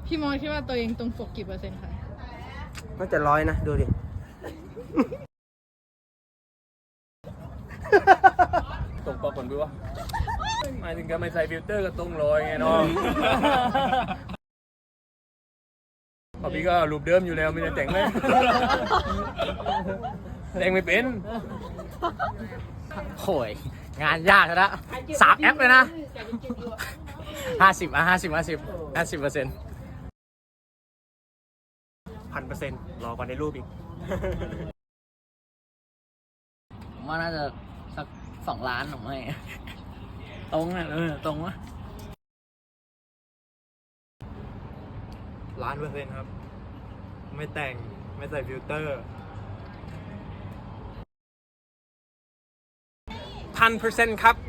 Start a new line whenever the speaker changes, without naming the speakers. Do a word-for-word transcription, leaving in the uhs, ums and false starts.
พี่มอสคิดว่าตัวเองตรงปกกี่เปอร์เซ็นต์คะ
น่าจะร้อยนะดูดิ
ตรงปกคนดูวะหมายถึงการไม่ใส่ฟิลเตอร์ก็ตรงลอยไงน้องพอพี่ก็รูปเดิมอยู่แล้วไม่ได้แต่งไหมแต่งไม่เป็น
โหยงานยากนะสามแอปเลยนะห้าสิบอ่ะห้าสิบห้าสิบห้าสิบเปอร์เซ็นต์
พันเปอร์เซ็นต์รอกว่าในรูปอีก
ผมว่าน่าจะสักสองล้านผมให้ตรงอ่ะเออตรงวะ
ล้านเปอร์เซ็นต์ครับ ไม่แต่งไม่ใส่ฟิลเตอร์พันเปอร์เซ็นต์ครับ